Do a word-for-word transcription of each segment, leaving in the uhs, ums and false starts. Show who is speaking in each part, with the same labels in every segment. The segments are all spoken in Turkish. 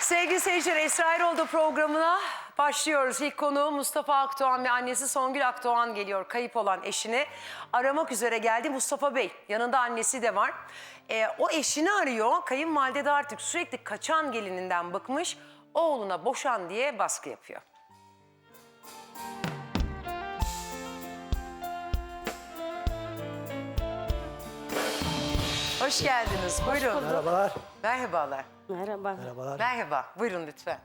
Speaker 1: Sevgili seyirciler, Esra Erol'da programına başlıyoruz. İlk konuğu Mustafa Akdoğan ve annesi Songül Akdoğan geliyor. Kayıp olan eşini aramak üzere geldi Mustafa Bey. Yanında annesi de var. Ee, o eşini arıyor. Kayınvalide de artık sürekli kaçan gelininden bıkmış. Oğluna boşan diye baskı yapıyor. Hoş geldiniz. Buyurun.
Speaker 2: Merhabalar.
Speaker 1: Merhabalar.
Speaker 3: Merhaba.
Speaker 2: Merhabalar.
Speaker 1: Merhaba. Buyurun lütfen.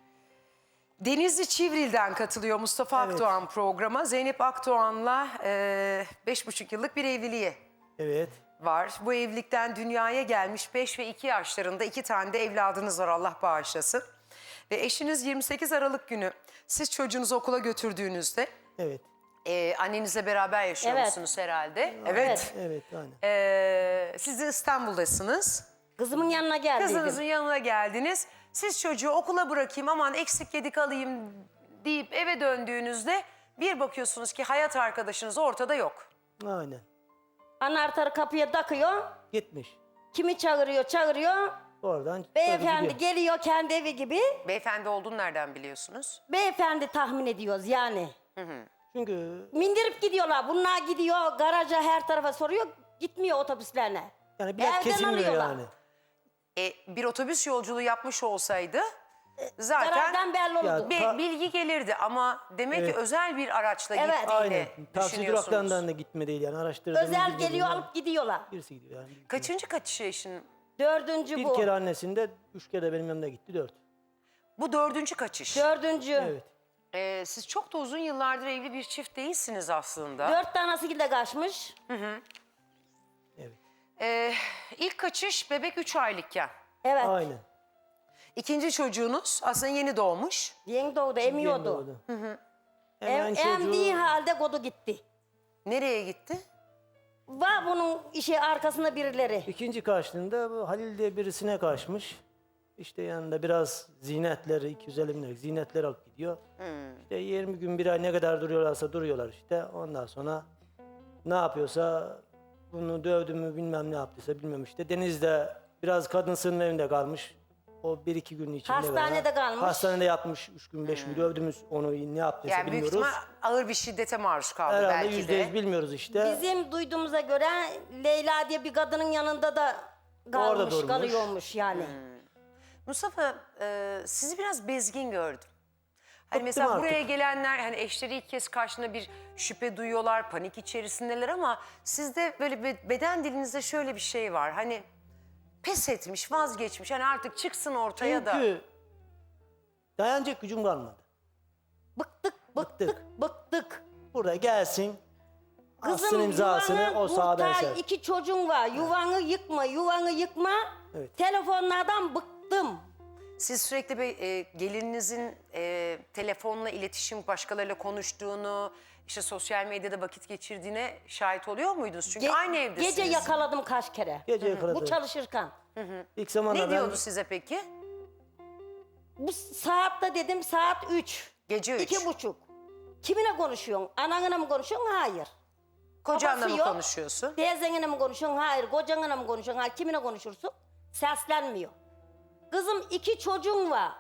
Speaker 1: Denizli Çivril'den katılıyor Mustafa
Speaker 2: Evet.
Speaker 1: Akdoğan programa. Zeynep Akdoğan'la e, beş buçuk yıllık bir evliliği
Speaker 2: Evet.
Speaker 1: var. Bu evlilikten dünyaya gelmiş beş ve iki yaşlarında iki tane de evladınız var, Allah bağışlasın. Ve eşiniz yirmi sekiz Aralık günü siz çocuğunuzu okula götürdüğünüzde
Speaker 2: Evet.
Speaker 1: e, annenizle beraber yaşıyor
Speaker 3: Evet.
Speaker 1: musunuz herhalde?
Speaker 3: Evet.
Speaker 2: Evet. Aynen.
Speaker 1: E, siz de İstanbul'dasınız.
Speaker 3: Kızımın yanına geldiydim.
Speaker 1: Kızınızın yanına geldiniz. Siz çocuğu okula bırakayım, aman eksik yedik alayım deyip eve döndüğünüzde bir bakıyorsunuz ki hayat arkadaşınız ortada yok.
Speaker 2: Aynen.
Speaker 3: Anahtarı kapıya takıyor.
Speaker 2: Gitmiş.
Speaker 3: Kimi çağırıyor çağırıyor.
Speaker 2: Oradan
Speaker 3: Beyefendi
Speaker 2: gidiyor.
Speaker 3: geliyor kendi evi gibi.
Speaker 1: Beyefendi olduğunu nereden biliyorsunuz?
Speaker 3: Beyefendi tahmin ediyoruz yani.
Speaker 2: Çünkü
Speaker 3: Mindirip gidiyorlar. Bunlar gidiyor garaja her tarafa soruyor. Gitmiyor otobüslerine.
Speaker 2: yani biraz
Speaker 3: Evden
Speaker 2: kesilmiyor
Speaker 3: alıyorlar.
Speaker 2: yani.
Speaker 1: E, bir otobüs yolculuğu yapmış olsaydı zaten
Speaker 3: Garajdan belli oldu.
Speaker 2: Ya,
Speaker 1: bir
Speaker 2: Ta-
Speaker 1: bilgi gelirdi ama demek
Speaker 2: Evet.
Speaker 1: ki özel bir araçla
Speaker 3: Evet.
Speaker 1: gittiğini
Speaker 2: Aynen. Taksi
Speaker 1: düşünüyorsunuz.
Speaker 2: duraklarından da gitme değil yani araştırdığımız
Speaker 3: Özel
Speaker 2: bilgiler
Speaker 3: geliyor
Speaker 2: bunlar.
Speaker 3: alıp gidiyorlar.
Speaker 2: Birisi gidiyor yani.
Speaker 1: Kaçıncı kaçışı eşin?
Speaker 3: Dördüncü
Speaker 2: Bir
Speaker 3: bu.
Speaker 2: kere annesinde, üç kere de benim yanımda gitti, dört.
Speaker 1: Bu dördüncü kaçış.
Speaker 3: Dördüncü.
Speaker 2: Evet.
Speaker 1: E, siz çok da uzun yıllardır evli bir çift değilsiniz aslında.
Speaker 3: Dört tanesi de kaçmış.
Speaker 2: Evet.
Speaker 1: E, ilk kaçış bebek üç aylıkken.
Speaker 3: Evet.
Speaker 2: Aynen.
Speaker 1: İkinci çocuğunuz aslında yeni doğmuş.
Speaker 3: Yeni doğdu
Speaker 2: Yeni
Speaker 3: emiyordu.
Speaker 2: doğdu.
Speaker 3: Em,
Speaker 2: Hemen
Speaker 3: emdiği
Speaker 2: çocuğu
Speaker 3: halde kodu gitti.
Speaker 1: Nereye gitti?
Speaker 3: Var bunun işi arkasında birileri.
Speaker 2: ikinci karşılığında bu Halil diye birisine kaçmış. İşte yanında biraz zinetleri, iki yüz elli bin liralık zinetleri alıp gidiyor. İşte yirmi gün bir ay ne kadar duruyorlarsa duruyorlar işte. Ondan sonra ne yapıyorsa bunu dövdü mü bilmem ne yaptıysa bilmem işte. Deniz'de biraz kadın sığınma evinde kalmış. O bir iki gün içinde.
Speaker 3: Hastanede
Speaker 2: beraber.
Speaker 3: kalmış.
Speaker 2: Hastanede yatmış üç gün beş gün dövdüğümüz onu ne yaptıysa
Speaker 1: Yani büyük
Speaker 2: bilmiyoruz.
Speaker 1: ihtimal ağır bir şiddete maruz kaldı
Speaker 2: Herhalde
Speaker 1: belki
Speaker 2: yüzde yüz
Speaker 1: de.
Speaker 2: bilmiyoruz işte.
Speaker 3: Bizim duyduğumuza göre Leyla diye bir kadının yanında da kalmış,
Speaker 2: durmuş.
Speaker 3: kalıyormuş yani.
Speaker 1: Mustafa, e, sizi biraz bezgin gördüm. Hani
Speaker 2: Bıktım
Speaker 1: mesela
Speaker 2: artık.
Speaker 1: buraya gelenler hani eşleri ilk kez karşında bir şüphe duyuyorlar, panik içerisindeler ama sizde böyle bir beden dilinizde şöyle bir şey var. Hani pes etmiş, vazgeçmiş. Hani artık çıksın ortaya da.
Speaker 2: Çünkü dayanacak gücüm kalmadı.
Speaker 3: Bıktık, bıktık, bıktık.
Speaker 2: Burada gelsin. Atsın
Speaker 3: Kızım
Speaker 2: imzasını
Speaker 3: yuvanı
Speaker 2: o sağdan
Speaker 3: kurtar,
Speaker 2: ser.
Speaker 3: iki çocuğun var. Yuvanı yıkma, yuvanı yıkma.
Speaker 2: Evet.
Speaker 3: Telefonlardan bıktım.
Speaker 1: Siz sürekli bir e, gelininizin e, telefonla iletişim, başkalarıyla konuştuğunu, işte sosyal medyada vakit geçirdiğine şahit oluyor muydunuz? Çünkü
Speaker 3: Ge-
Speaker 1: aynı evdesiniz.
Speaker 3: Gece yakaladım kaç kere.
Speaker 2: Gece yakaladı.
Speaker 3: Bu çalışırken.
Speaker 2: İlk zamanlar
Speaker 1: Ne
Speaker 2: ben
Speaker 1: diyordu size peki?
Speaker 3: Bu saatte dedim saat üç.
Speaker 1: Gece üç.
Speaker 3: İki buçuk. Kiminle konuşuyorsun? Ananla mı konuşuyorsun? Hayır.
Speaker 1: Kocanla
Speaker 3: Babası
Speaker 1: mı
Speaker 3: yok.
Speaker 1: konuşuyorsun?
Speaker 3: Teyzenle mi konuşuyorsun? Hayır. Kocanla mı konuşuyorsun? Hayır. Kiminle konuşursun? Seslenmiyor. Kızım iki çocuğun var.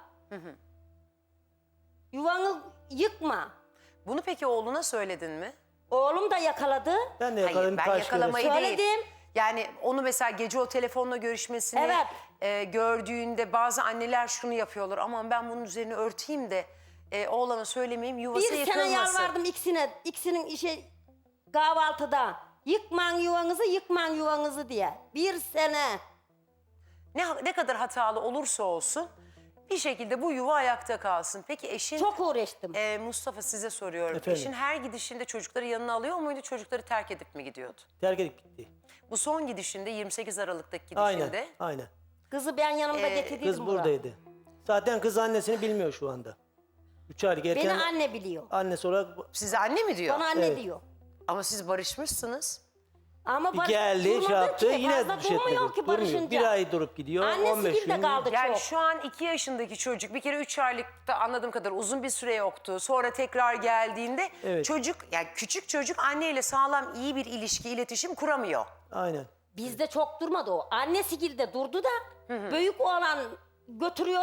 Speaker 3: Yuvanı yıkma.
Speaker 1: Bunu peki oğluna söyledin mi?
Speaker 3: Oğlum da yakaladı.
Speaker 2: ben de
Speaker 1: Hayır,
Speaker 2: yakaladım
Speaker 1: ben
Speaker 2: birkaç
Speaker 1: yakalamayı
Speaker 2: kere.
Speaker 1: değil.
Speaker 3: Söyledim.
Speaker 1: Yani onu mesela gece o telefonla görüşmesini
Speaker 3: Evet.
Speaker 1: e, gördüğünde bazı anneler şunu yapıyorlar. Aman ben bunun üzerine örteyim de e, oğlana söylemeyeyim, yuvası
Speaker 3: Bir
Speaker 1: yıkılmasın.
Speaker 3: sene yalvardım ikisine. İkisinin işi kahvaltıda. Yıkman yuvanızı, yıkman yuvanızı diye. Bir sene.
Speaker 1: Ne, ne kadar hatalı olursa olsun bir şekilde bu yuva ayakta kalsın. Peki eşin
Speaker 3: Çok uğraştım.
Speaker 1: e, Mustafa, size soruyorum.
Speaker 2: Efendim?
Speaker 1: Eşin her gidişinde çocukları yanına alıyor muydu? Çocukları terk edip mi gidiyordu?
Speaker 2: Terk edip gitti.
Speaker 1: Bu son gidişinde yirmi sekiz Aralık'taki gidişinde.
Speaker 2: Aynen. Aynen.
Speaker 3: Kızı ben yanımda
Speaker 1: Ee,
Speaker 3: getirdiydim
Speaker 2: Kız
Speaker 3: buraya.
Speaker 2: buradaydı. Zaten kız annesini bilmiyor şu anda. Üç aylık erken
Speaker 3: Beni anne biliyor.
Speaker 2: annesi olarak
Speaker 1: Size anne mi diyor?
Speaker 3: Bana anne
Speaker 2: Evet.
Speaker 3: diyor.
Speaker 1: Ama siz barışmışsınız.
Speaker 3: Ama
Speaker 2: bir
Speaker 3: barış-
Speaker 2: geldi şey
Speaker 3: durmadı
Speaker 2: yaptı
Speaker 3: ki,
Speaker 2: yine
Speaker 3: fazla
Speaker 2: bir şey etmedi.
Speaker 3: durmuyor ki
Speaker 2: Durmuyor.
Speaker 3: barışınca.
Speaker 2: Bir ay durup gidiyor. on
Speaker 3: Annesi
Speaker 2: beş
Speaker 3: bir de
Speaker 2: gün.
Speaker 3: kaldı
Speaker 1: Yani
Speaker 3: çok.
Speaker 1: şu an iki yaşındaki çocuk bir kere üç aylıkta anladığım kadar uzun bir süre yoktu. Sonra tekrar geldiğinde
Speaker 2: Evet.
Speaker 1: çocuk, yani küçük çocuk anneyle sağlam iyi bir ilişki, iletişim kuramıyor.
Speaker 2: Aynen.
Speaker 3: Bizde çok durmadı o. Annesi de durdu da büyük oğlan götürüyorduk.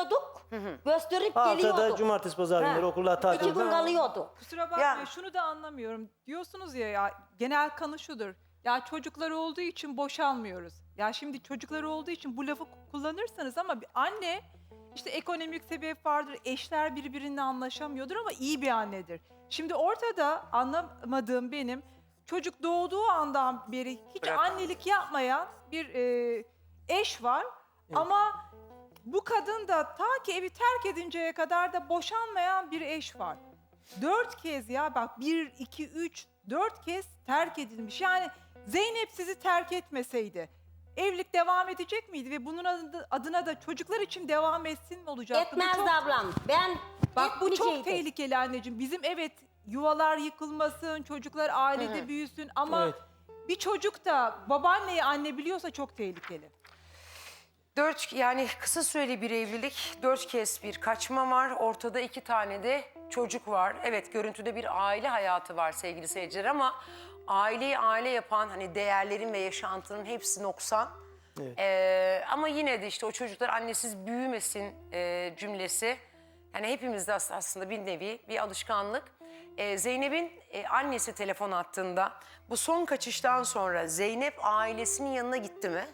Speaker 3: Gösterip
Speaker 2: Haftada
Speaker 3: geliyordu.
Speaker 2: cumartesi pazar
Speaker 3: Ha.
Speaker 2: günleri okullar
Speaker 3: İki gün
Speaker 2: tatilde.
Speaker 3: kalıyordu.
Speaker 4: Kusura bakmayın,
Speaker 1: Ya-
Speaker 4: şunu da anlamıyorum. Diyorsunuz ya, ya genel kanı şudur. Ya çocukları olduğu için boşanmıyoruz. Ya şimdi çocukları olduğu için bu lafı kullanırsanız ama bir anne işte ekonomik sebep vardır. Eşler birbirine anlaşamıyordur ama iyi bir annedir. Şimdi ortada anlamadığım benim çocuk doğduğu andan beri hiç
Speaker 1: Bırak.
Speaker 4: annelik yapmayan bir e, eş var. Ama bu kadın da ta ki evi terk edinceye kadar da boşanmayan bir eş var. Dört kez ya bak bir, iki, üç, dört kez terk edilmiş. Yani Zeynep sizi terk etmeseydi evlilik devam edecek miydi? Ve bunun adı- adına da çocuklar için devam etsin mi olacaktı? Bu
Speaker 3: Etmezdi
Speaker 4: çok-
Speaker 3: ablam. Ben
Speaker 4: Bak bu çok
Speaker 3: etmeyeceydim.
Speaker 4: tehlikeli anneciğim. Bizim evet yuvalar yıkılmasın, çocuklar ailede büyüsün ama
Speaker 2: Evet.
Speaker 4: bir çocuk da babaanneyi anne biliyorsa çok tehlikeli.
Speaker 1: Dört, yani kısa süreli bir evlilik, dört kez bir kaçma var. Ortada iki tane de çocuk var. Evet, görüntüde bir aile hayatı var sevgili seyirciler ama aileyi aile yapan hani değerlerin ve yaşantının hepsi noksan.
Speaker 2: Evet.
Speaker 1: Ee, ama yine de işte o çocuklar annesiz büyümesin e, cümlesi. Yani hepimizde as- aslında bir nevi bir alışkanlık. Ee, Zeynep'in e, annesi telefon attığında bu son kaçıştan sonra Zeynep ailesinin yanına gitti mi?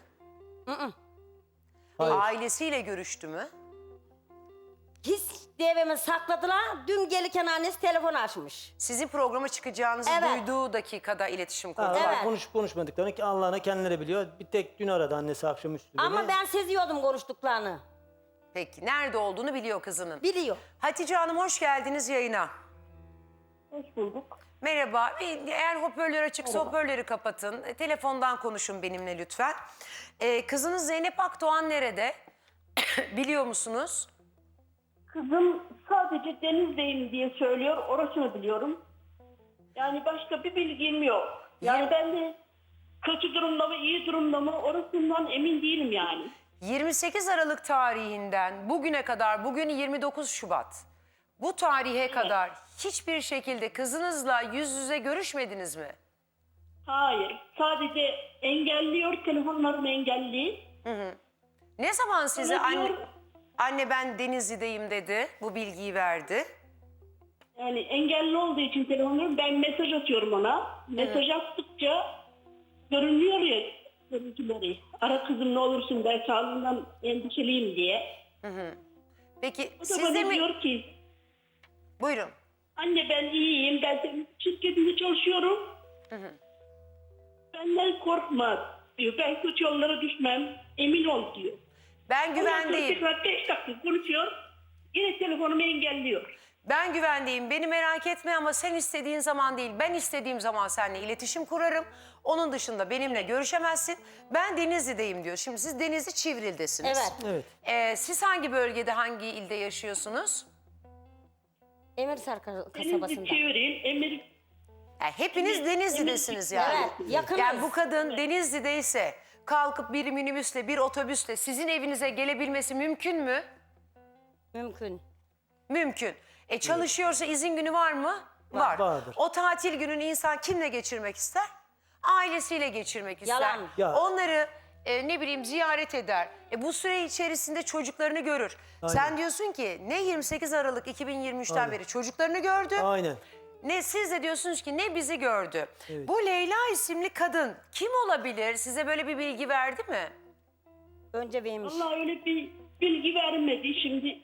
Speaker 2: Hayır.
Speaker 1: Ailesiyle görüştü mü?
Speaker 3: Hiç devemi sakladılar. Dün gelirken annesi telefon açmış.
Speaker 1: Sizin programa çıkacağınızı
Speaker 3: Evet.
Speaker 1: duyduğu dakikada iletişim
Speaker 2: Ha,
Speaker 1: kurdular.
Speaker 3: Evet.
Speaker 2: konuşup konuşmadıklarını ki Allah'ına kendileri biliyor. Bir tek dün aradı annesi akşamüstü beni.
Speaker 3: Ama ben seziyordum konuştuklarını.
Speaker 1: Peki nerede olduğunu biliyor kızının.
Speaker 3: Biliyor.
Speaker 1: Hatice Hanım hoş geldiniz yayına.
Speaker 5: Hoş bulduk.
Speaker 1: Merhaba. Bir- Eğer hoparlör açıksa hoparlörü kapatın. E, Telefondan konuşun benimle lütfen. Ee, kızınız Zeynep Akdoğan nerede? Biliyor musunuz?
Speaker 5: Kızım sadece Deniz'deyim diye söylüyor. Orasını biliyorum. Yani başka bir bilgim yok. Yani ben de kötü durumda mı, iyi durumda mı orasından emin değilim yani.
Speaker 1: yirmi sekiz Aralık tarihinden bugüne kadar, bugün yirmi dokuz Şubat. Bu tarihe kadar hiçbir şekilde kızınızla yüz yüze görüşmediniz mi?
Speaker 5: Hayır. Sadece engelliyor. Telefonlarını engelli.
Speaker 1: Ne zaman size
Speaker 5: Bana
Speaker 1: anne,
Speaker 5: diyor-
Speaker 1: anne ben Denizli'deyim dedi, bu bilgiyi verdi?
Speaker 5: Yani engelli olduğu için telefonları ben mesaj atıyorum ona. Mesaj attıkça görünüyor ya görüntüleri. Ara kızım ne olursun ben sağlığından endişeliyim diye.
Speaker 1: Peki
Speaker 5: O da
Speaker 1: siz
Speaker 5: bana
Speaker 1: de mi?
Speaker 5: diyor ki
Speaker 1: Buyurun.
Speaker 5: anne ben iyiyim. Ben senin şirketinde çalışıyorum. Benden korkma diyor. Ben kötü yollara düşmem. Emin ol diyor.
Speaker 1: Ben
Speaker 5: Ondan sonra
Speaker 1: güvendeyim.
Speaker 5: tekrar beş dakika konuşuyor. Yine telefonumu engelliyor.
Speaker 1: Ben güvendeyim. Beni merak etme ama sen istediğin zaman değil. Ben istediğim zaman seninle iletişim kurarım. Onun dışında benimle görüşemezsin. Ben Denizli'deyim diyor. Şimdi siz Denizli Çivril'desiniz.
Speaker 3: Evet.
Speaker 2: Evet.
Speaker 1: Ee, siz hangi bölgede, hangi ilde yaşıyorsunuz?
Speaker 3: Emirsar kas-
Speaker 5: Denizli
Speaker 3: kasabasında.
Speaker 5: çevirin. Emir
Speaker 1: Yani hepiniz Denizli'desiniz yani.
Speaker 3: Evet, yakınız.
Speaker 1: Yani bu kadın Denizli'deyse kalkıp bir minibüsle, bir otobüsle sizin evinize gelebilmesi mümkün mü?
Speaker 3: Mümkün.
Speaker 1: Mümkün. E çalışıyorsa izin günü var mı? Var.
Speaker 2: Vardır.
Speaker 1: O tatil gününü insan kimle geçirmek ister? Ailesiyle geçirmek ister.
Speaker 3: Yalan.
Speaker 2: Ya.
Speaker 1: Onları e, ne bileyim ziyaret eder. E, bu süre içerisinde çocuklarını görür.
Speaker 2: Aynen.
Speaker 1: Sen diyorsun ki ne yirmi sekiz Aralık iki bin yirmi üç'ten
Speaker 2: Aynen.
Speaker 1: beri çocuklarını gördü.
Speaker 2: Aynen.
Speaker 1: Ne siz de diyorsunuz ki ne bizi gördü.
Speaker 2: Evet.
Speaker 1: Bu Leyla isimli kadın kim olabilir? Size böyle bir bilgi verdi mi?
Speaker 3: Önce vermiş.
Speaker 5: Allah öyle bir bilgi vermedi şimdi.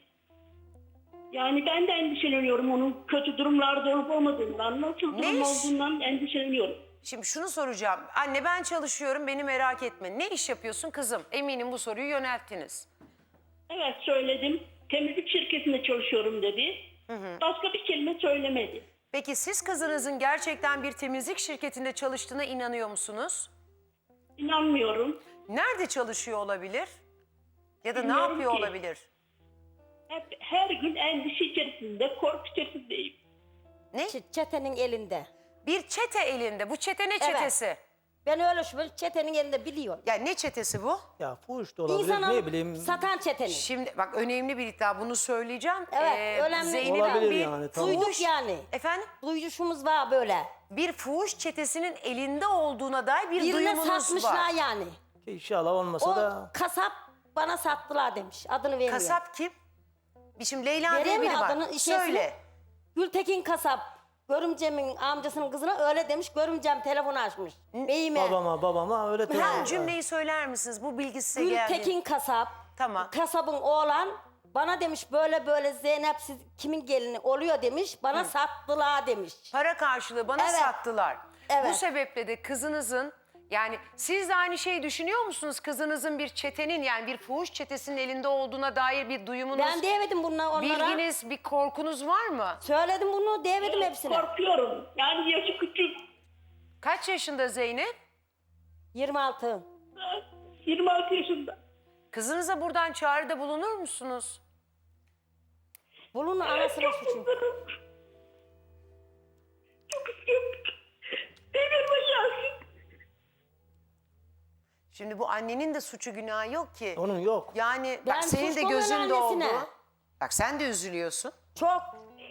Speaker 5: Yani ben de endişeleniyorum onun kötü durumlarda olup olmadığından, nasıl durum
Speaker 1: Ne iş?
Speaker 5: olduğundan endişeleniyorum.
Speaker 1: Şimdi şunu soracağım. Anne ben çalışıyorum beni merak etme. Ne iş yapıyorsun kızım? Eminim bu soruyu yönelttiniz.
Speaker 5: Evet söyledim. Temizlik şirketinde çalışıyorum dedi. Başka bir kelime söylemedi.
Speaker 1: Peki siz kızınızın gerçekten bir temizlik şirketinde çalıştığına inanıyor musunuz?
Speaker 5: İnanmıyorum.
Speaker 1: Nerede çalışıyor olabilir? Ya da ne
Speaker 5: Bilmiyorum
Speaker 1: yapıyor
Speaker 5: ki.
Speaker 1: olabilir?
Speaker 5: Hep, her gün endişe içerisinde, korku içerisindeyim.
Speaker 1: Ne?
Speaker 3: Ç- Çetenin elinde.
Speaker 1: Bir çete elinde. Bu çete ne çetesi?
Speaker 3: Ben öyle şüpheli çetenin elinde biliyorum.
Speaker 1: Ya ne çetesi bu?
Speaker 2: Ya fuhuş da olabilir
Speaker 3: İnsan
Speaker 2: ne
Speaker 3: alıp
Speaker 2: bileyim.
Speaker 3: satan çetenin.
Speaker 1: Şimdi bak önemli bir iddia bunu söyleyeceğim.
Speaker 3: Evet, önemli.
Speaker 1: Zeynep'in
Speaker 2: Olabilir
Speaker 1: bir
Speaker 2: yani, tamam.
Speaker 1: fuhuş-
Speaker 3: Duyduk yani.
Speaker 1: Efendim?
Speaker 3: Duyuşumuz var böyle.
Speaker 1: Bir fuhuş çetesinin elinde olduğuna dair bir
Speaker 3: Birine
Speaker 1: duyumunuz
Speaker 3: satmışlar
Speaker 1: var.
Speaker 3: yani.
Speaker 2: Ki İnşallah olmasa
Speaker 3: O
Speaker 2: da
Speaker 3: kasap bana sattılar demiş. Adını vermiyor.
Speaker 1: Kasap kim? Şimdi Leyla diye
Speaker 3: Vereyim mi
Speaker 1: biri var.
Speaker 3: adını, işesini?
Speaker 1: Söyle.
Speaker 3: Gültekin kasap. Görümcemin amcasının kızına öyle demiş. Görümcem telefonu açmış. Beyime.
Speaker 2: Babama babama öyle
Speaker 1: Ha,
Speaker 2: telefon.
Speaker 1: cümleyi söyler misiniz? Bu bilgi size geldi.
Speaker 3: Gültekin kasap.
Speaker 1: Tamam.
Speaker 3: Kasabın oğlan bana demiş böyle böyle Zeynep siz kimin gelini oluyor demiş. Bana sattılar demiş.
Speaker 1: Para karşılığı bana
Speaker 3: Evet.
Speaker 1: sattılar. Bu
Speaker 3: Evet.
Speaker 1: sebeple de kızınızın, yani siz de aynı şeyi düşünüyor musunuz? Kızınızın bir çetenin, yani bir fuhuş çetesinin elinde olduğuna dair bir duyumunuz,
Speaker 3: Ben diyemedim bunlara onlara.
Speaker 1: bilginiz, bir korkunuz var mı?
Speaker 3: Söyledim bunu diyemedim hepsine.
Speaker 5: Korkuyorum. Yani yaşı küçük.
Speaker 1: Kaç yaşında Zeynep?
Speaker 3: yirmi altı.
Speaker 5: yirmi altı yaşında.
Speaker 1: Kızınıza buradan çağrıda bulunur musunuz?
Speaker 3: Bunun anasının suçu.
Speaker 5: Çok istiyorum. Devirme gelsin.
Speaker 1: Şimdi bu annenin de suçu günahı yok ki.
Speaker 2: Onun yok.
Speaker 1: Yani
Speaker 3: Ben
Speaker 1: bak senin de
Speaker 3: suçlumun
Speaker 1: gözün doldu.
Speaker 3: annesine.
Speaker 1: Bak sen de üzülüyorsun.
Speaker 3: Çok.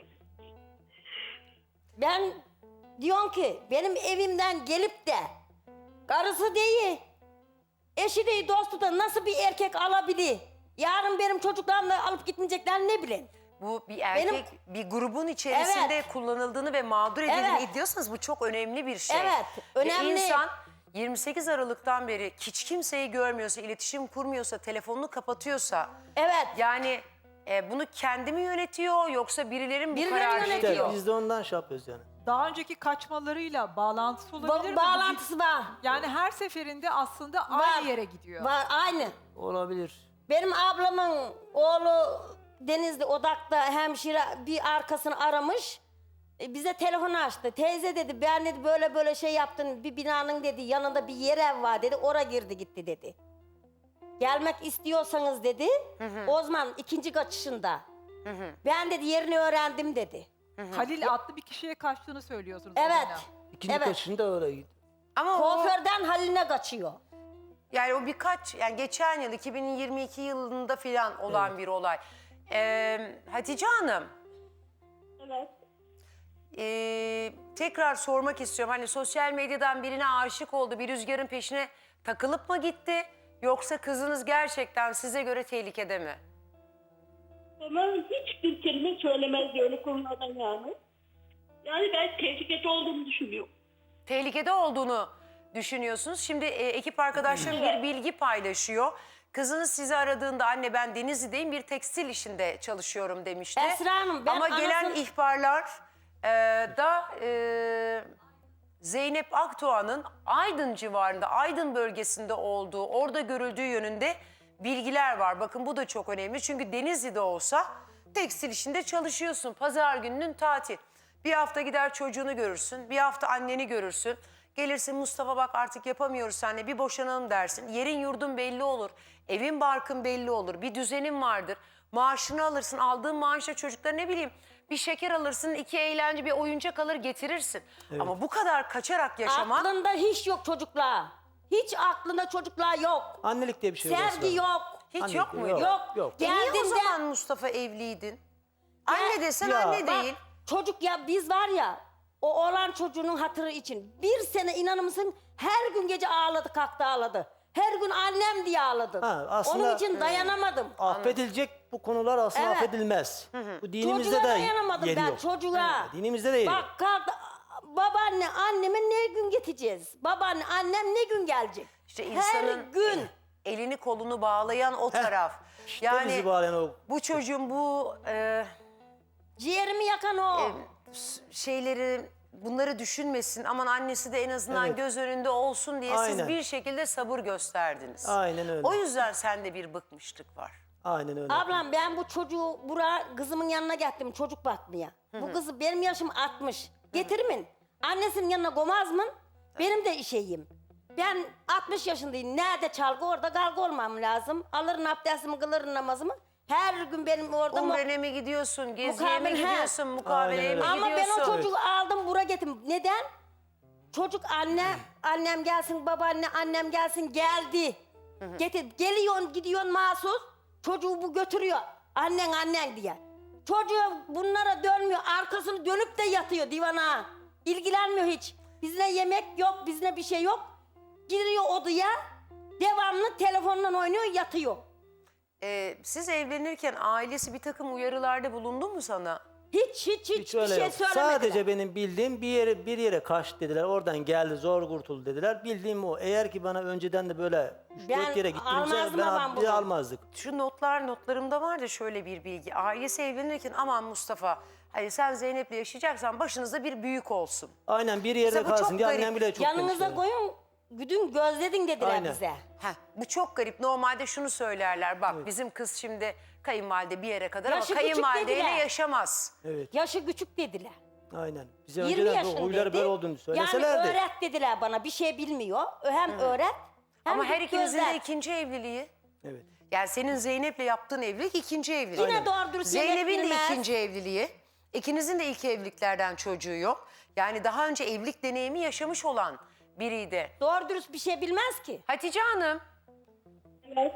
Speaker 3: Ben diyorum ki benim evimden gelip de karısı değil, eşi değil, dostu da nasıl bir erkek alabilir? Yarın benim çocuklarımı da alıp gitmeyecekler ne bileyim.
Speaker 1: Bu bir erkek bir grubun içerisinde
Speaker 3: Evet.
Speaker 1: kullanıldığını ve mağdur edildiğini
Speaker 3: Evet.
Speaker 1: iddiyorsanız bu çok önemli bir şey.
Speaker 3: Evet,
Speaker 1: Ve
Speaker 3: önemli.
Speaker 1: insan yirmi sekiz Aralık'tan beri hiç kimseyi görmüyorsa, iletişim kurmuyorsa, telefonunu kapatıyorsa,
Speaker 3: Evet.
Speaker 1: yani e, bunu kendi mi yönetiyor yoksa birileri mi bu
Speaker 3: Birileri
Speaker 1: kararı
Speaker 3: yönetiyor.
Speaker 1: veriyor?
Speaker 2: İşte biz de ondan şey yapıyoruz yani.
Speaker 4: Daha önceki kaçmalarıyla bağlantısı olabilir
Speaker 3: Ba-
Speaker 4: mi?
Speaker 3: bağlantısı var.
Speaker 4: Yani her seferinde aslında
Speaker 3: Var.
Speaker 4: aynı yere gidiyor.
Speaker 3: Var aynı.
Speaker 2: Olabilir.
Speaker 3: Benim ablamın oğlu Denizli Odak'ta hemşire bir arkasını aramış. E, bize telefonu açtı. Teyze dedi ben dedi böyle böyle şey yaptın. Bir binanın dedi yanında bir yer ev var dedi. Ora girdi gitti dedi. Gelmek istiyorsanız dedi. O zaman ikinci kaçışında. Ben dedi yerini öğrendim dedi.
Speaker 4: Halil adlı bir kişiye kaçtığını söylüyorsunuz. o
Speaker 3: Evet.
Speaker 4: dönem.
Speaker 2: İkinci
Speaker 3: Evet.
Speaker 2: kaçışında öyle gidiyor.
Speaker 1: Ama o,
Speaker 3: Kuaförden Haline kaçıyor.
Speaker 1: yani o birkaç, yani geçen yıl iki bin yirmi iki yılında filan olan bir olay. Ee, Hatice Hanım,
Speaker 5: Evet.
Speaker 1: Ee, tekrar sormak istiyorum. Hani sosyal medyadan birine aşık oldu, bir rüzgarın peşine takılıp mı gitti? Yoksa kızınız gerçekten size göre tehlikede mi?
Speaker 5: Bana hiçbir kelime söylemezdi öyle konulardan yani. Yani ben tehlikede olduğunu düşünüyorum.
Speaker 1: Tehlikede olduğunu düşünüyorsunuz. Şimdi e, ekip arkadaşlarım bir bilgi paylaşıyor. Kızınız sizi aradığında anne ben Denizli'deyim, bir tekstil işinde çalışıyorum demişti.
Speaker 3: Esra Hanım, ben
Speaker 1: Ama gelen
Speaker 3: anasını-
Speaker 1: ihbarlar e, da e, Zeynep Akdoğan'ın Aydın civarında, Aydın bölgesinde olduğu, orada görüldüğü yönünde bilgiler var. Bakın bu da çok önemli. Çünkü Denizli'de olsa tekstil işinde çalışıyorsun. Pazar gününün tatil. Bir hafta gider çocuğunu görürsün. Bir hafta anneni görürsün. Gelirsin Mustafa bak artık yapamıyoruz seninle, bir boşanalım dersin. Yerin yurdun belli olur. Evin barkın belli olur. Bir düzenin vardır. Maaşını alırsın. Aldığın maaşla çocuklara ne bileyim bir şeker alırsın. iki eğlence bir oyuncak alır getirirsin. Ama bu kadar kaçarak yaşamak...
Speaker 3: Aklında hiç yok çocuklar. Hiç aklında çocuklar yok.
Speaker 2: Annelik diye bir şey yok.
Speaker 3: Sevgi
Speaker 2: aslında.
Speaker 3: yok.
Speaker 1: Hiç
Speaker 2: Annelik
Speaker 1: yok
Speaker 2: diye-
Speaker 1: muydu?
Speaker 3: Yok.
Speaker 2: Yok.
Speaker 1: E niye o
Speaker 3: Geldiğinde-
Speaker 1: zaman Mustafa evliydin? Anne desen
Speaker 2: Ya.
Speaker 1: anne
Speaker 3: Bak,
Speaker 1: değil.
Speaker 3: çocuk ya biz var ya o oğlan çocuğunun hatırı için bir sene inanır mısın her gün gece ağladı kalktı ağladı. Her gün annem diye ağladı.
Speaker 2: Ha, aslında-
Speaker 3: Onun için dayanamadım.
Speaker 2: Affedilecek bu konular aslında
Speaker 3: Evet.
Speaker 2: affedilmez. Bu dinimizde
Speaker 3: Çocuğa
Speaker 2: de
Speaker 3: dayanamadım
Speaker 2: yeri
Speaker 3: ben
Speaker 2: yok.
Speaker 3: çocuğa.
Speaker 2: Evet, dinimizde de yeri yok.
Speaker 3: Bak kalktı babaanne anneme ne gün getireceğiz? Babaanne annem ne gün gelecek?
Speaker 1: İşte
Speaker 3: Her
Speaker 1: insanın
Speaker 3: gün.
Speaker 1: elini kolunu bağlayan o taraf.
Speaker 2: İşte
Speaker 1: Yani
Speaker 2: bizi bağlayan o.
Speaker 1: bu çocuğun bu e,
Speaker 3: Ciğerimi yakan o.
Speaker 1: s- şeyleri, bunları düşünmesin. Aman annesi de en azından
Speaker 2: Evet.
Speaker 1: göz önünde olsun diye siz
Speaker 2: Aynen.
Speaker 1: bir şekilde sabır gösterdiniz.
Speaker 2: Aynen öyle.
Speaker 1: O yüzden sende bir bıkmışlık var.
Speaker 2: Aynen öyle.
Speaker 3: Ablam ben bu çocuğu buraya kızımın yanına getirdim çocuk bakmaya. Bu kızı benim yaşım altmış. Getirimin. Annesinin yanına koymaz mı? Benim de işeyim. Ben altmış yaşındayım. Nerede çalgı orada kalgı olmam lazım. Alırım abdestimi kılırım namazımı. Her gün benim orada... mu-
Speaker 1: Umre'ne mi gidiyorsun, geziye mi
Speaker 3: Mukavel, he.
Speaker 1: gidiyorsun, mukabeleye mi
Speaker 2: Aynen
Speaker 3: Ama ben
Speaker 1: gidiyorsun?
Speaker 3: o çocuğu aldım buraya getirdim. Neden? Çocuk anne, annem gelsin, babaanne, annem gelsin geldi. Getir, geliyorsun, gidiyorsun mahsus. Çocuğu bu götürüyor. Annen, annen diye. Çocuğu bunlara dönmüyor. Arkasını dönüp de yatıyor divana. İlgilenmiyor hiç. Bizine yemek yok, bizine bir şey yok. Giriyor odaya. Devamlı telefonla oynuyor, yatıyor.
Speaker 1: Ee, siz evlenirken ailesi bir takım uyarılarda bulundu mu sana?
Speaker 3: Hiç hiç hiç,
Speaker 2: Hiç
Speaker 3: bir
Speaker 2: öyle
Speaker 3: şey
Speaker 2: yok.
Speaker 3: söylemediler.
Speaker 2: Sadece benim bildiğim bir yere bir yere kaçtı dediler. Oradan geldi zor kurtuldu dediler. Bildiğim o. Eğer ki bana önceden de böyle üç
Speaker 3: Ben
Speaker 2: dört yere gittiğimizde
Speaker 3: almazdım
Speaker 2: ben
Speaker 3: ama
Speaker 2: bizi
Speaker 3: bunu.
Speaker 2: almazdık.
Speaker 1: Şu notlar notlarımda var da şöyle bir bilgi. Ailesi evlenirken aman Mustafa, hani sen Zeynep'le yaşayacaksan başınızda bir büyük olsun.
Speaker 2: Aynen bir yerde
Speaker 1: Mesela bu çok
Speaker 2: kalsın diye
Speaker 1: garip.
Speaker 2: annem bile çok
Speaker 3: Yanınıza
Speaker 2: demişler.
Speaker 3: koyun, güdün gözledin dediler
Speaker 2: Aynen.
Speaker 3: bize.
Speaker 1: Heh, bu çok garip. Normalde şunu söylerler. Bak bizim kız şimdi kayınvalide bir yere kadar
Speaker 3: Yaşı
Speaker 1: ama
Speaker 3: küçük
Speaker 1: kayınvalideyle
Speaker 3: dediler.
Speaker 1: yaşamaz.
Speaker 2: Evet.
Speaker 3: Yaşı küçük dediler.
Speaker 2: Aynen. Bize
Speaker 3: yirmi
Speaker 2: önceden bu
Speaker 3: yaşındaydı.
Speaker 2: huyları böyle olduğunu söyleselerdi.
Speaker 3: Yani öğret dediler bana. Bir şey bilmiyor. Hem öğret hem
Speaker 1: Ama her
Speaker 3: git
Speaker 1: ikinizin de
Speaker 3: gözlet.
Speaker 1: ikinci evliliği.
Speaker 2: Evet.
Speaker 1: Yani senin Zeynep'le yaptığın evlilik ikinci evlilik.
Speaker 3: Yine doğru dürüst yemek
Speaker 1: Zeynep'in de
Speaker 3: bilmez.
Speaker 1: ikinci evliliği. İkinizin de ilk evliliklerden çocuğu yok. Yani daha önce evlilik deneyimi yaşamış olan biriydi.
Speaker 3: Doğru dürüst bir şey bilmez ki.
Speaker 1: Hatice Hanım,
Speaker 5: Evet.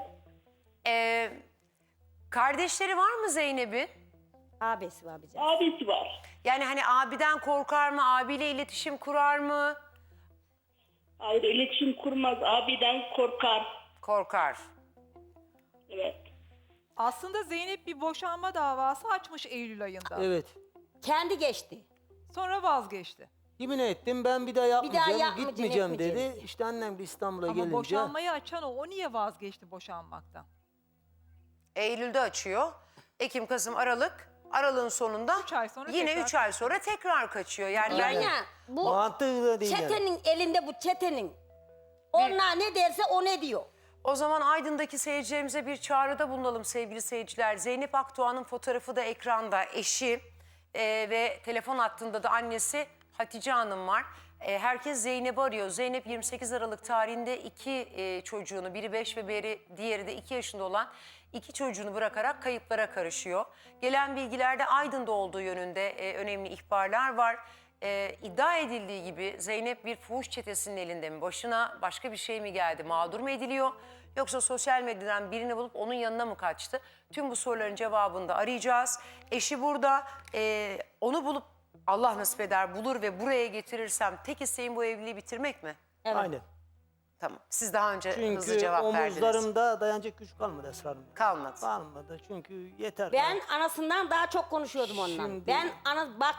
Speaker 1: e, kardeşleri var mı Zeynep'in?
Speaker 3: Abisi var bize.
Speaker 5: Abisi var.
Speaker 1: Yani hani abiden korkar mı? Abiyle iletişim kurar mı?
Speaker 5: Hayır, iletişim kurmaz. Abiden korkar.
Speaker 1: Korkar.
Speaker 5: Evet.
Speaker 4: Aslında Zeynep bir boşanma davası açmış Eylül ayında.
Speaker 2: Evet.
Speaker 3: Kendi geçti.
Speaker 4: Sonra vazgeçti.
Speaker 2: Yemin ettim ben bir daha yapmayacağım,
Speaker 3: yapmayacağım,
Speaker 2: gitmeyeceğim dedi.
Speaker 3: etmeyeceğim.
Speaker 2: İşte annem de İstanbul'a
Speaker 4: Ama
Speaker 2: gelince.
Speaker 4: boşanmayı açan o. O niye vazgeçti boşanmaktan?
Speaker 1: Eylül'de açıyor. Ekim, Kasım, Aralık. Aralığın sonunda
Speaker 4: Üç ay sonra
Speaker 1: yine
Speaker 4: tekrar-
Speaker 1: üç ay sonra tekrar kaçıyor. Yani
Speaker 3: Yani
Speaker 1: ben-
Speaker 3: ya, bu
Speaker 2: Mantıklı değil yani.
Speaker 3: çetenin elinde bu çetenin. Onlar ne derse o ne diyor.
Speaker 1: O zaman Aydın'daki seyircilerimize bir çağrıda bulunalım sevgili seyirciler. Zeynep Akdoğan'ın fotoğrafı da ekranda, eşi e, ve telefon hattında da annesi Hatice Hanım var. E, herkes Zeynep'i arıyor. Zeynep yirmi sekiz Aralık tarihinde iki e, çocuğunu, biri beş ve biri, diğeri de iki yaşında olan iki çocuğunu bırakarak kayıplara karışıyor. Gelen bilgilerde Aydın'da olduğu yönünde e, önemli ihbarlar var. E, iddia edildiği gibi Zeynep bir fuhuş çetesinin elinde mi? Başına başka bir şey mi geldi? Mağdur mu ediliyor? Yoksa sosyal medyadan birini bulup onun yanına mı kaçtı? Tüm bu soruların cevabını da arayacağız. Eşi burada. E, onu bulup Allah nasip eder bulur ve buraya getirirsem tek isteğim bu evliliği bitirmek mi?
Speaker 3: Evet.
Speaker 2: Aynen.
Speaker 1: Tamam. Siz daha önce hızlı
Speaker 2: Çünkü
Speaker 1: cevap verdiniz.
Speaker 2: omuzlarımda dayanacak güç kalmadı Esra Hanım.
Speaker 1: Kalmadı.
Speaker 2: Kalmadı çünkü yeter.
Speaker 3: Ben anasından daha çok konuşuyordum onunla.
Speaker 2: Şimdi-
Speaker 3: Ben ana bak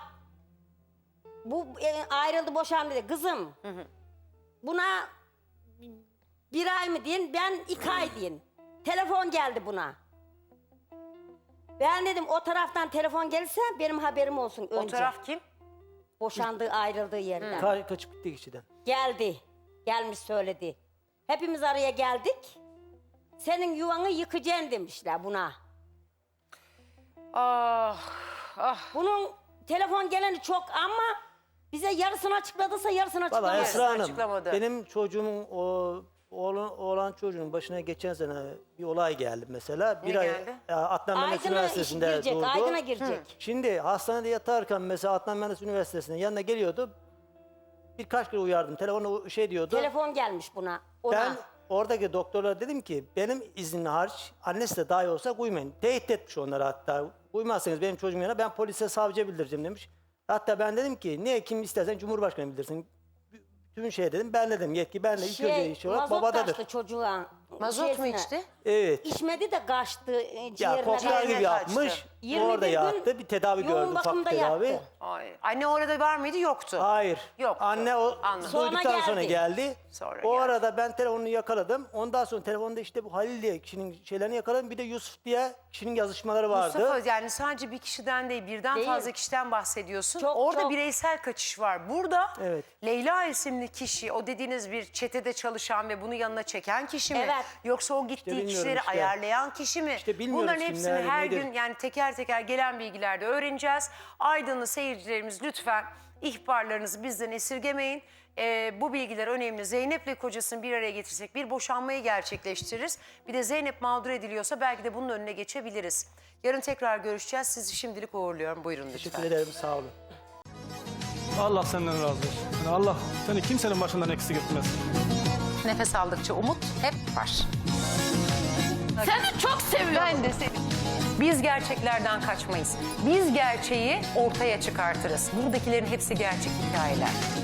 Speaker 3: bu e, ayrıldı boşandı dedi. Kızım buna bir ay mı deyin ben iki ay deyin. Telefon geldi buna. Ben dedim o taraftan telefon gelirse benim haberim olsun önce.
Speaker 1: O taraf kim?
Speaker 3: Boşandığı ayrıldığı yerden.
Speaker 2: Ka- kaçıp gitti kişiden.
Speaker 3: Geldi. Gelmiş söyledi. Hepimiz araya geldik. Senin yuvanı yıkacaksın demişler buna.
Speaker 1: Ah, ah.
Speaker 3: Bunun telefon geleni çok ama bize yarısını açıkladıysa yarısını
Speaker 2: Valla
Speaker 3: açıklamadı.
Speaker 2: Esra Hanım
Speaker 1: açıklamadı.
Speaker 2: benim çocuğumun o oğlan, oğlan çocuğun başına geçen sene bir olay geldi mesela. Bir
Speaker 1: Ne
Speaker 2: ay
Speaker 1: geldi?
Speaker 2: e, Adnan Menderes
Speaker 3: Aydın'a iş
Speaker 2: Üniversitesi'nde
Speaker 3: girecek,
Speaker 2: doğdu.
Speaker 3: Aydın'a girecek.
Speaker 2: Şimdi hastanede yatarken mesela Adnan Menderes Üniversitesi'nin yanına geliyordu. Birkaç kere uyardım. Telefonu şey diyordu.
Speaker 3: Telefon gelmiş buna. Ona.
Speaker 2: Ben oradaki doktorlara dedim ki benim iznimle hariç annesi de dahi olsa uymayın. Tehdit etmiş onları hatta. Uymazsanız benim çocuğum yanına ben polise savcıya bildireceğim demiş. Hatta ben dedim ki niye kim istersen Cumhurbaşkanı bildirsin. Tüm şey dedim ben dedim yetki ben de ilk önce
Speaker 3: şey,
Speaker 2: iş olarak
Speaker 3: mazot
Speaker 2: babadadır.
Speaker 3: kaçtı çocuğa.
Speaker 1: Mazot mu
Speaker 3: şeysine.
Speaker 1: içti?
Speaker 2: Evet.
Speaker 3: İçmedi de kaçtı e,
Speaker 2: Ya
Speaker 3: ciğerine.
Speaker 2: koklar
Speaker 1: ciğerine
Speaker 2: gibi
Speaker 1: kaçtı.
Speaker 2: yapmış.
Speaker 3: yirmi
Speaker 2: Orada
Speaker 3: bir gün
Speaker 2: yattı. Bir tedavi
Speaker 3: yoğun
Speaker 2: gördü. Ufak
Speaker 3: bakımda
Speaker 2: bir tedavi.
Speaker 3: yattı.
Speaker 1: Ay. Anne orada var mıydı? Yoktu.
Speaker 2: Hayır.
Speaker 1: Yoktu.
Speaker 2: Anne o
Speaker 1: Anladım.
Speaker 3: Sonra
Speaker 2: duyduktan sonra
Speaker 3: geldi.
Speaker 2: geldi.
Speaker 1: Sonra
Speaker 2: o
Speaker 1: geldi.
Speaker 2: arada ben telefonunu yakaladım. Ondan sonra telefonda işte bu Halil diye kişinin şeylerini yakaladım. Bir de Yusuf diye kişinin yazışmaları vardı.
Speaker 1: Mustafa yani sadece bir kişiden değil birden
Speaker 3: Değil.
Speaker 1: fazla kişiden bahsediyorsun.
Speaker 3: Çok,
Speaker 1: Orada
Speaker 3: çok.
Speaker 1: bireysel kaçış var. Burada
Speaker 2: Evet.
Speaker 1: Leyla isimli kişi o dediğiniz bir çetede çalışan ve bunu yanına çeken kişi mi?
Speaker 3: Evet.
Speaker 1: Yoksa o gittiği
Speaker 2: bilmiyorum
Speaker 1: kişileri
Speaker 2: işte.
Speaker 1: ayarlayan kişi mi?
Speaker 2: İşte bilmiyoruz
Speaker 1: Bunların
Speaker 2: kimler,
Speaker 1: hepsini her
Speaker 2: nedir?
Speaker 1: gün yani teker teker gelen bilgilerde öğreneceğiz. Aydınlı seyircilerimiz lütfen ihbarlarınızı bizden esirgemeyin. Ee, bu bilgiler önemli. Zeynep'le kocasını bir araya getirsek bir boşanmayı gerçekleştiririz. Bir de Zeynep mağdur ediliyorsa belki de bunun önüne geçebiliriz. Yarın tekrar görüşeceğiz. Sizi şimdilik uğurluyorum. Buyurun lütfen.
Speaker 2: Teşekkür ederim sağ olun.
Speaker 6: Allah senden razı olsun. Yani Allah seni kimsenin başından eksik etmez.
Speaker 1: Nefes aldıkça umut hep var.
Speaker 7: Seni çok seviyorum.
Speaker 1: Ben de seni. Biz gerçeklerden kaçmayız. Biz gerçeği ortaya çıkartırız. Buradakilerin hepsi gerçek hikayeler.